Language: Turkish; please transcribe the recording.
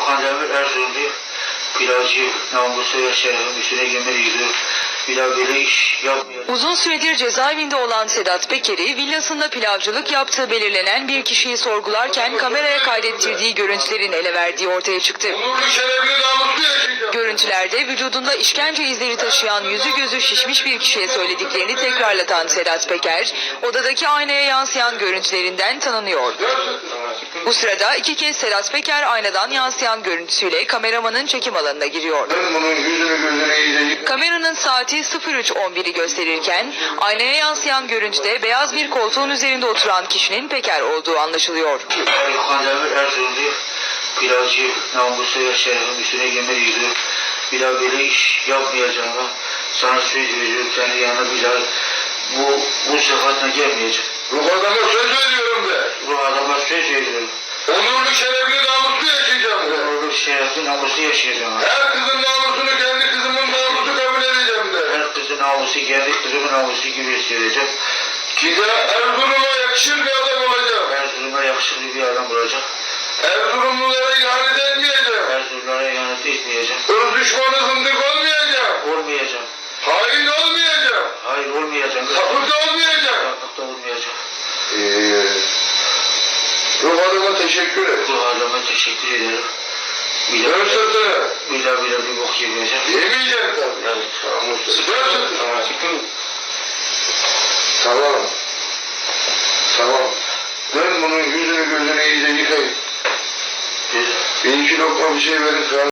Kandemir Erzurumlu pilavcı namusu ve şerefim üstüne yemin ediyor. Bir daha böyle iş yapmayacağım. Uzun süredir cezaevinde olan Sedat Peker'i villasında pilavcılık yaptığı belirlenen bir kişiyi sorgularken kameraya kaydettirdiği görüntülerin ele verdiği ortaya çıktı. Görüntülerde vücudunda işkence izleri taşıyan yüzü gözü şişmiş bir kişiye söylediklerini tekrarlatan Sedat Peker, odadaki aynaya yansıyan görüntülerinden tanınıyor. Bu sırada iki kez Sedat Peker aynadan yansıyan görüntüsüyle kameramanın çekim alanına giriyor. Kameranın saati 03.11'i gösterirken aynaya yansıyan görüntüde beyaz bir koltuğun üzerinde oturan kişinin Peker olduğu anlaşılıyor. Kandemir Erzurumlu pilavcı namusu ve şerefim üstüne yemin ediyor. Bir daha böyle iş yapmayacağım. Sana söz veriyorum, kendi yanına bir daha bu sıfatla gelmeyeceğim. Ruh adama söz veriyorum de. Ruh adama söz veriyorum. Onurlu şerefli namuslu yaşayacağım de. Onurlu şerefli namusu yaşayacağım. Her kızın namusunu kendi kızımın namusu kabul edeceğim de. Her kızın namusu kendi kızımın namusu gibi hissedeceğim. Ki de Erzurum'a yakışır bir adam olacağım. Erzurum'a yakışıklı bir adam olacak. Erzurumlulara ihanet etmeyeceğim. Erzurumlara ihanet etmeyeceğim. Irz düşmanı zındık olmayacağım. Olmayacağım. Hain olmayacağım. Hayır olmayacağım. Sapık da olmayacağım. Sapık da olmayacağım. Ruh adama teşekkür et. Bu adama teşekkür ederim. Dön sırtını. Bir daha bir bok yemeyeceğim. Yemeyeceğim tabii. Evet. Dön sırtını. Tamam. Tamam. Dön bunun yüzünü gözünü iyice yıkayın. Bir iki lokma bir şey verin.